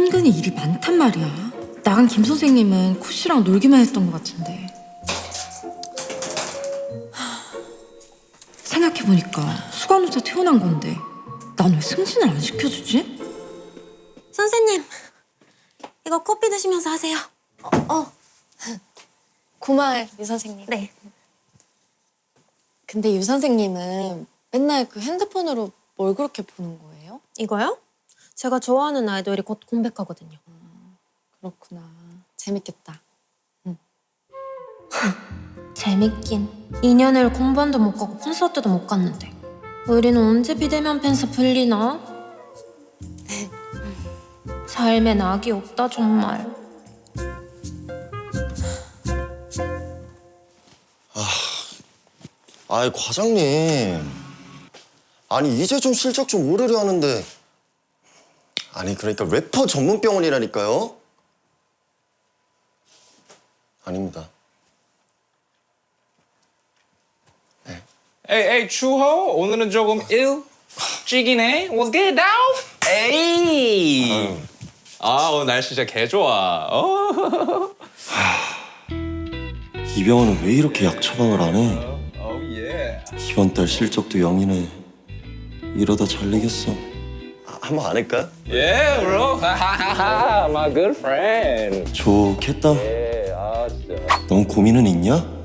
은근히 일이 많단 말이야. 나간 김 선생님은 코씨랑 놀기만 했던 것 같은데. 생각해보니까 수간호사 태어난 건데 난 왜 승진을 안 시켜주지? 선생님, 이거 커피 드시면서 하세요. 고마워요, 유 선생님. 네. 근데 유 선생님은 맨날 그 핸드폰으로 뭘 그렇게 보는 거예요? 이거요? 제가 좋아하는 아이돌이 곧 공백하거든요. 그렇구나. 재밌겠다. 재밌긴. 2년을 공부원도 못 가고 콘서트도 못 갔는데 우리는 언제 비대면 팬서 풀리나? 삶엔 악이 없다 정말. 아이 과장님, 아니 이제 좀 실적 좀 오르려 하는데, 아니 그러니까 래퍼 전문 병원이라니까요. 아닙니다. 에이, 에이, 추호. 오늘은 조금 일찍이네. What's good, now? 에이. 아, 오늘 날씨 진짜 개 좋아. 이 병원은 왜 이렇게 약 처방을 안 해? Oh, yeah. 이번 달 실적도 0이네. 이러다 잘 내겠어. 한번 안 할까? Yeah, bro. My good friend. 좋겠다. 예, 아, 진짜. 넌 고민은 있냐?